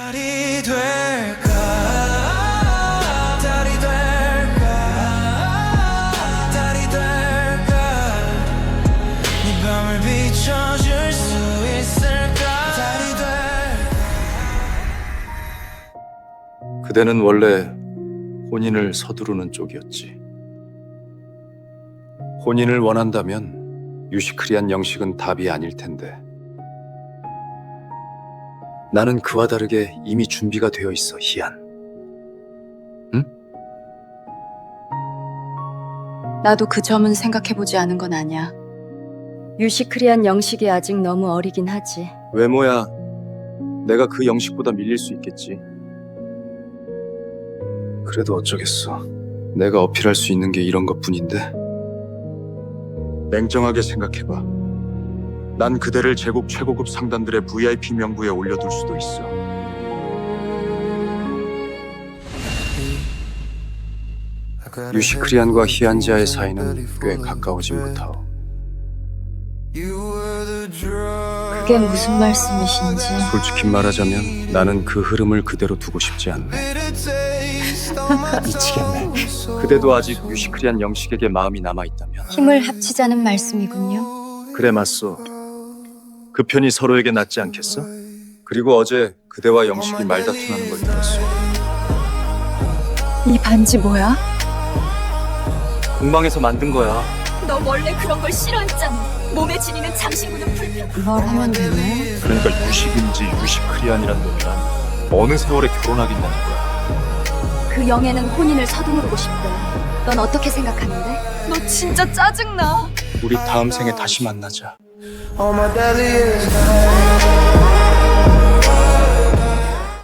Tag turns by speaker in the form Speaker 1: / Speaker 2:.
Speaker 1: 달이 될까 달이 될까 달이 될까 네 밤을 비춰줄 수 있을까 달이 될까
Speaker 2: 그대는 원래 혼인을 서두르는 쪽이었지. 혼인을 원한다면 유시크리한 영식은 답이 아닐 텐데. 나는 그와 다르게 이미 준비가 되어 있어, 희안. 응?
Speaker 3: 나도 그 점은 생각해보지 않은 건 아니야.
Speaker 4: 유시크리한 영식이 아직 너무 어리긴 하지.
Speaker 2: 외모야, 내가 그 영식보다 밀릴 수 있겠지. 그래도 어쩌겠어. 내가 어필할 수 있는 게 이런 것뿐인데. 냉정하게 생각해봐. 난 그대를 제국 최고급 상단들의 VIP 명부에 올려둘 수도 있어. 유시크리안과 희안지아의 사이는 꽤 가까워진 듯하오.
Speaker 3: 그게 무슨 말씀이신지.
Speaker 2: 솔직히 말하자면 나는 그 흐름을 그대로 두고 싶지 않네. 미치겠네. 그대도 아직 유시크리안 영식에게 마음이 남아있다면.
Speaker 3: 힘을 합치자는 말씀이군요.
Speaker 2: 그래, 맞소. 그 편이 서로에게 낫지 않겠어? 그리고 어제 그대와 영식이 말다툼하는 걸 들었어.
Speaker 3: 이 반지 뭐야?
Speaker 2: 공방에서 만든 거야.
Speaker 4: 너 원래 그런 걸 싫어했잖아. 몸에 지니는 장신구는 불편.
Speaker 3: 뭘 하면 되네?
Speaker 2: 그러니까 유식인지 유시크리안이란 놈이란 어느 세월에 결혼하겠다는 거야.
Speaker 4: 그 영애는 혼인을 서두르고 싶대. 넌 어떻게 생각하는데? 너 진짜 짜증나.
Speaker 2: 우리 다음 생에 다시 만나자.
Speaker 1: All my belly is high